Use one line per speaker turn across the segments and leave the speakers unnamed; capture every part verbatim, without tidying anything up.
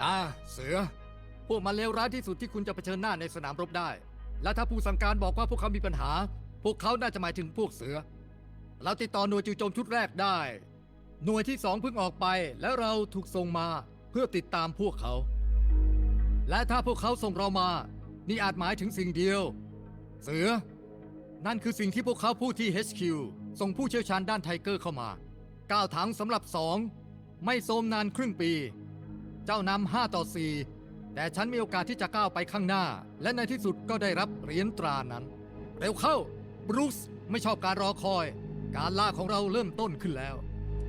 อ่าเสือพวกมันเลวร้ายที่สุดที่คุณจะเผชิญหน้าในสนามรบได้และถ้าผู้สั่งการบอกว่าพวกเขามีปัญหาพวกเขาน่าจะหมายถึงพวกเสือเราติดต่อหน่วยจู่โจมชุดแรกได้หน่วยที่สองเพิ่งออกไปและเราถูกส่งมาเพื่อติดตามพวกเขาและถ้าพวกเขาส่งเรามานี่อาจหมายถึงสิ่งเดียวเสือนั่นคือสิ่งที่พวกเขาพูดที่ เอช คิว ส่งผู้เชี่ยวชาญด้านไทเกอร์เข้ามาเก้าถังสำหรับสองไม่โทรมนานครึ่งปีเจ้านำห้าต่อสี่แต่ฉันมีโอกาสที่จะก้าวไปข้างหน้าและในที่สุดก็ได้รับเหรียญตรานั้นเร็วเข้าบรูซไม่ชอบการรอคอยการล่าของเราเริ่มต้นขึ้นแล้ว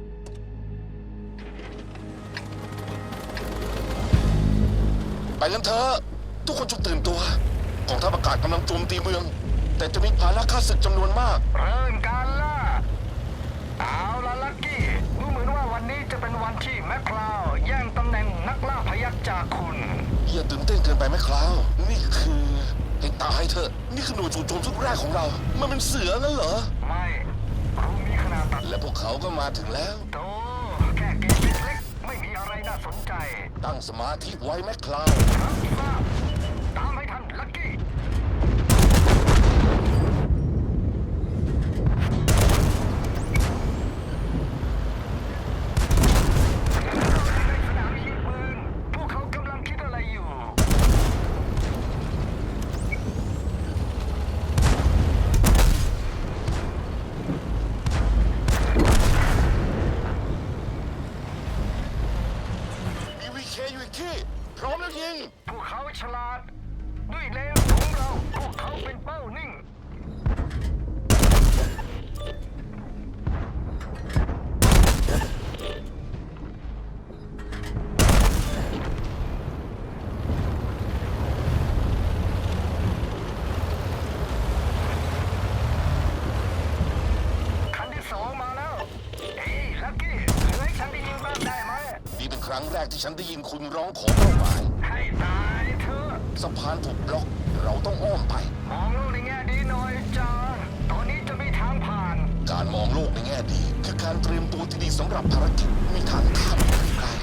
ไปกันเถอะทุกคนจงตื่นตัวกองทัพอากาศกำลังโจมตีเมืองแต่จะมีภาระฆ่าศึกจำนวนมาก
เริ่มการล่าเอาละลักกี้ดูเหมือนว่าวันนี้จะเป็นวันที่แมคคลาวแย่งตำแหน่งนักล่าพยัคฆ์จากคุณ
อย่าตื่นเต้นเกินไปไหมคราวนี่คือให้ตายเถอะนี่คือหน่วยจู่โจมชุดแรกของเรามันเป็นเสืองั้นเหรอ
ไม่รู้มีขนาดตัด
และพวกเขาก็มาถึงแล้ว
โตแค่เกมเล็กๆไม่มีอะไรน่าสนใจ
ตั้งสมาธิไว้แมคคลาว
รับทราบตามให้ทันลักกี้
พร้อมแล้วยิง
พวกเขาฉลาดด้วยเลนของเราพวกเขาเป็นเป้านิ่งคันที่สองมาแล้วเฮ้ยลักกี้เหลือให้ฉันได้ยิงบ้างได้ไหม
นี่เป็นครั้งแรกที่ฉันได้ยินคุณร้องขอเป้าหมาย
ให้ตายเถอะ
สะพานถูกบล็อกเราต้องอ้อมไป
มองโลกในแง่ดีหน่อยจ้าตอนนี้จะมีทางผ่าน
การมองโลกในแง่ดีคือการเตรียมตัวที่ดีสำหรับภารกิจมีทางข้ามไกล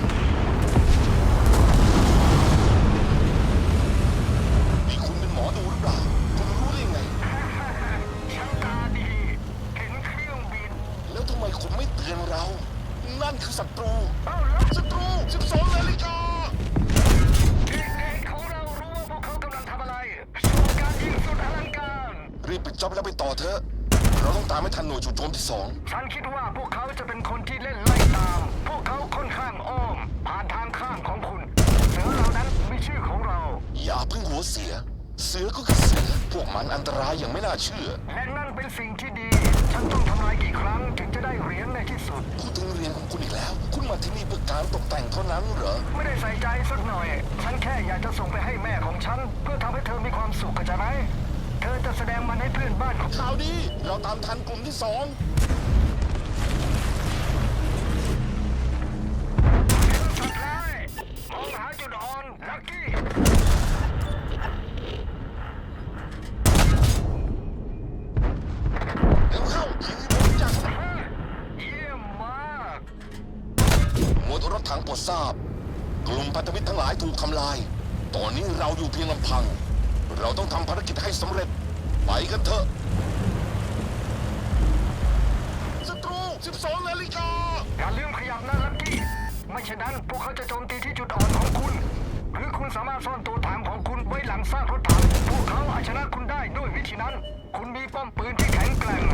นี่คุณเป็นหมอดูหรือเปล่าคุณรู้ได้ไง
ช่างตาดีเห็นเครื่องบิน
แล้วทำไมคุณไม่เตือนเรานั่นคือศัตรู
เอาละ
ศัตรูสิบสองนาฬิกา
เด็กๆของเรารู้ว่าพวกเขากำลังทำอะไรโชว์การยิงสุดอลังการ
รีบปิดจ็อบแล้วไปต่อเถอะเราต้องตามให้ทันหน่วยจู่โจมที่สอง
ฉันคิดว่าพวกเขาจะเป็นคนที่เล่นไล่ตามพวกเขาค่อนข้างอ้อมผ่านทางข้ามของคุณเสือเหล่านั้นมีชื่อของเรา
อย่าเพิ่งหัวเสียเสือก็คือเสือพวกมันอันตรายอย่างไม่น่าเชื่อ
และนั่นเป็นสิ่งที่ดีฉันต้องทำลายกี่ครั้งถึงจะได้เหรียญในที่สุด
พูดถึงเรียนของคุณอีกแล้วคุณมาที่นี่เพื่อการตกแต่งเท่านั้นเหรอ
ไม่ได้ใส่ใจสักหน่อยฉันแค่อยากจะส่งไปให้แม่ของฉันเพื่อทำให้เธอมีความสุขเข้าใจไหมเธอจะแสดงมันให้เพื่อนบ้านของ
ข่าวดีเราตามทันกลุ่มที่สอง
สุดท้ายมองหาจุดอ่อนลักกี้
เร็วเข้ายิงให้ผมจัง
เยี่ยมมาก
หมวดรถถังโปรดทราบกลุ่มพันธมิตรทั้งหลายถูกทำลายตอนนี้เราอยู่เพียงลำพังเราต้องทำภารกิจให้สำเร็จไปกันเถอะศัตรูสิบสองนาฬิกา
อย่าลืมขยับนะลักกี้ไม่เช่นนั้นพวกเขาจะโจมตีที่จุดอ่อนของคุณหรือคุณสามารถซ่อนตัวถังของคุณไว้หลังซากรถถังพวกเขาอาจชนะคุณได้ด้วยวิธีนั้นคุณมีป้อมปืนที่แข็งแกร่ง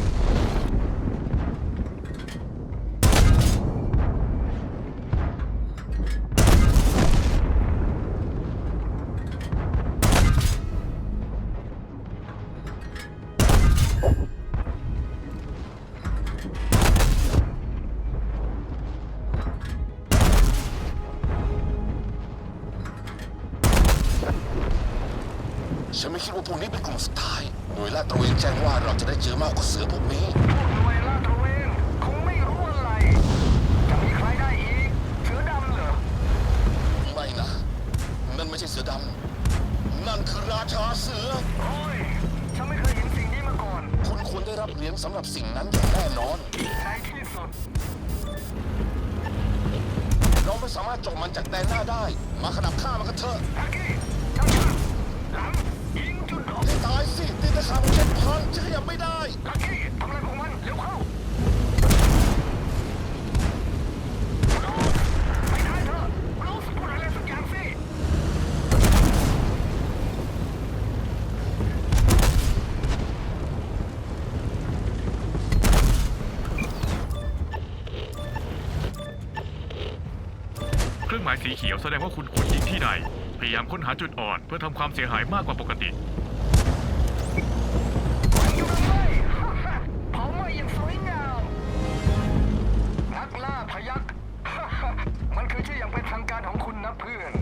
ฉันไม่คิดว่าพวกนี้เป็นกลุ่มสุดท้ายหน่วยลาดตระเวนแจ้งว่าเราจะได้เจอมากกว่าเสือพวกนี้
พวกหน่วยลาดตระเวนคงไม่รู้อะไรจะมีใครได้อีกเสือดำเหรอ
ไม่นะนั่นไม่ใช่เสือดำนั่นคือราชาเสือ
โอ้ยฉันไม่เคยเห็นสิ่งนี้มาก่อน
คุณควรได้รับเหรียญสำหรับสิ่งนั้นอย่างแน่นอน
ในที่สุด
เราไม่สามารถเจาะมันจากแดนหน้าได้ มาขนับฆ่ามันกันเถอะ
ลักกี้ช้าๆหลังยิงจุดอ่อน
ให้ตายสิตีนตะขาบของฉันพังฉันขยับไม่ได้
ลักกี้ทำอะไรของมันเร็วเข้าโรสไปได้เถอะโรสพูดอะไรสักอย่างสิ
เครื่องหมายสีเขียวแสดงว่าคุณควรยิงที่ใด พยายามค้นหาจุดอ่อนเพื่อทำความเสียหายมากกว่าปกติ
มันอยู่ตรงไหนฮ่าฮ่าเผาไหม้อย่างสวยงาม นักล่าพยัก มันคือชื่ออย่างเป็นทางการของคุณนะเพื่อน